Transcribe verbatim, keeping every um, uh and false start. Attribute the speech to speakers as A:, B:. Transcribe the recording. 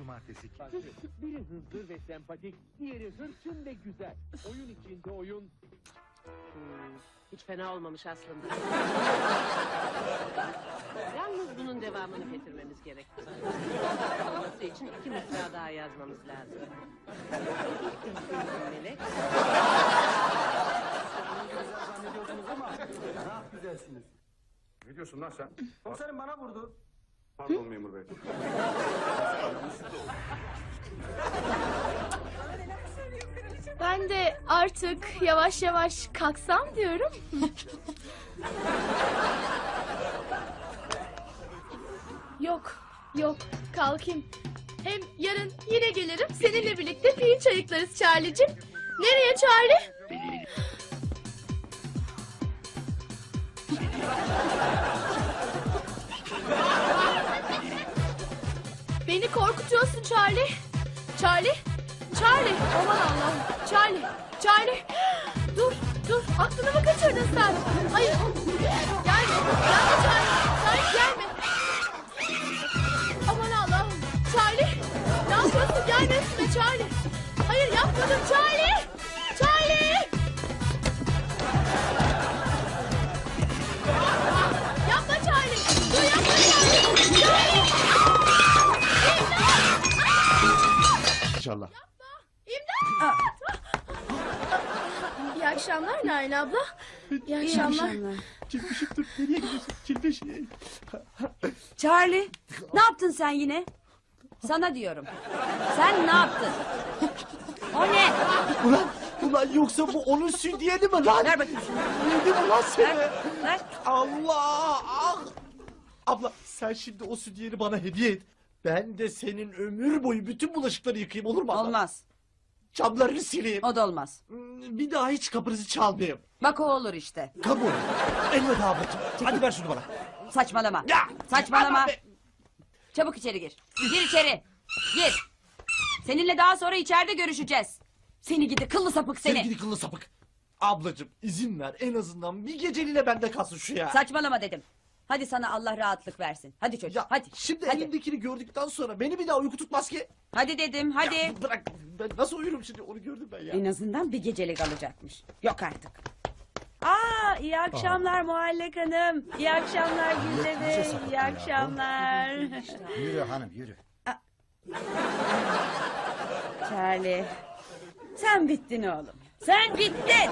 A: cumartesi.
B: Biri hızlı ve sempatik, diğeri hırçın ve güzel. Oyun içinde oyun.
C: Hmm, hiç fena olmamış aslında. Yalnız bunun devamını getirmemiz gerek. Olması için iki mısra daha yazmamız lazım. Melek.
D: Zannediyordunuz ama daha güzelsiniz.
E: Ne diyorsun lan sen?
D: Komiserim bana vurdu.
E: Pardon memur bey.
F: Ben de artık yavaş yavaş kalksam diyorum. Yok, yok, kalkayım. Hem yarın yine gelirim, seninle birlikte pirinç ayıklarız Charlie'cim. Nereye Charlie? Beni korkutuyorsun Charlie. Charlie, Charlie, aman Allah'ım. Charlie, Charlie. Dur, dur, aklını mı kaçırdın sen? Hayır, gelme, gelme Charlie, Charlie gelme. Aman Allah'ım, Charlie, ne yapıyorsun? Gelme üstüme Charlie. Hayır yapmadım Charlie, Charlie. Yapma Charlie, dur yapma Charlie. Charlie.
A: İnşallah.
F: İmdat! İyi akşamlar Nail abla. İyi akşamlar.
A: Çilpişim dur. Nereye gidiyorsun? Çilpiş.
G: Charlie, ne yaptın sen yine? Sana diyorum. Sen ne yaptın? O ne?
A: Ulan, ulan yoksa bu onun sütyeni mi lan?
G: Ver bakayım şunu.
A: Yedim ulan seni.
G: Ver, ver.
A: Allah! Ah! Abla sen şimdi o sütyeni bana hediye et. Ben de senin ömür boyu bütün bulaşıkları yıkayayım olur mu abla?
G: Olmaz.
A: Camlarını sileyim.
G: O da olmaz.
A: Hmm, Bir daha hiç kapınızı çalmayayım.
G: Bak o olur işte.
A: Kabul. Elveda ablacığım. Hadi ver şunu bana.
G: Saçmalama.
A: Ya!
G: Saçmalama.
A: Ama be-
G: Çabuk içeri gir. Gir içeri. Gir. Seninle daha sonra içeride görüşeceğiz. Seni gidi kıllı sapık seni.
A: Sevgili kıllı sapık. Ablacığım izin ver en azından bir geceliğine bende kalsın şu ya.
G: Saçmalama dedim. Hadi sana Allah rahatlık versin. Hadi çocuk
A: Ya
G: hadi.
A: şimdi
G: hadi.
A: elimdekini gördükten sonra beni bir daha uyku tutmaz ki.
G: Hadi dedim hadi.
A: Ya bırak ben nasıl uyurum şimdi onu gördüm ben ya.
G: En azından bir gecelik alacakmış. Yok artık. Aa, iyi akşamlar Muhallek Hanım. İyi akşamlar Gülde Bey. İyi akşamlar.
H: Yürü hanım yürü.
G: Charlie. Sen bittin oğlum. Sen bittin.